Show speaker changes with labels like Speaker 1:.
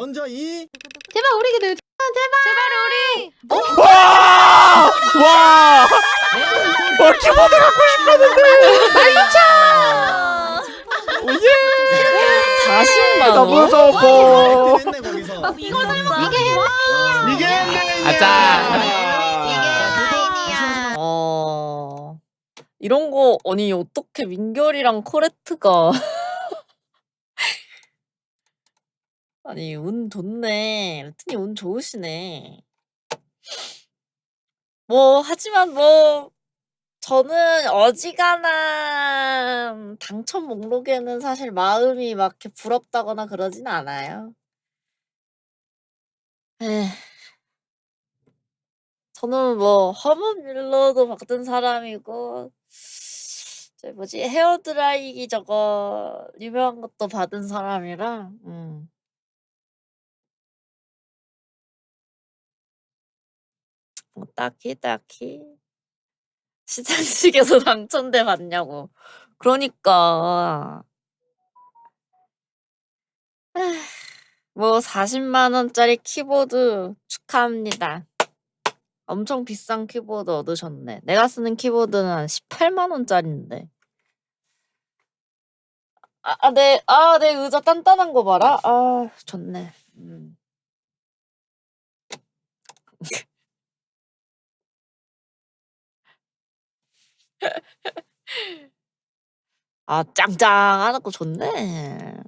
Speaker 1: 먼저 이
Speaker 2: 제발 우리 기도 제발 우리.
Speaker 3: 와! 키보드 갖고 싶었는데. 예!
Speaker 4: 40만 원.
Speaker 3: 너무 좋고.
Speaker 1: 했네 거기서.
Speaker 2: 이걸 설마 이게
Speaker 1: 이게
Speaker 3: 아자.
Speaker 4: 이런 거 아니 어떻게 민결이랑 코레트가 아니 운 좋네. 레트님 운 좋으시네. 뭐 하지만 뭐 저는 어지간한 당첨 목록에는 사실 마음이 막 이렇게 부럽다거나 그러진 않아요. 에휴. 저는 뭐 허브밀러도 받은 사람이고 저 뭐지 헤어드라이기 저거 유명한 것도 받은 사람이라 뭐 딱히 시상식에서 당첨돼 봤냐고. 그러니까 에휴, 뭐 40만 원짜리 키보드 축하합니다. 엄청 비싼 키보드 얻으셨네. 내가 쓰는 키보드는 한 18만 원짜리인데. 내 의자 단단한 거 봐라. 아, 좋네. 아, 짱짱하고 좋네.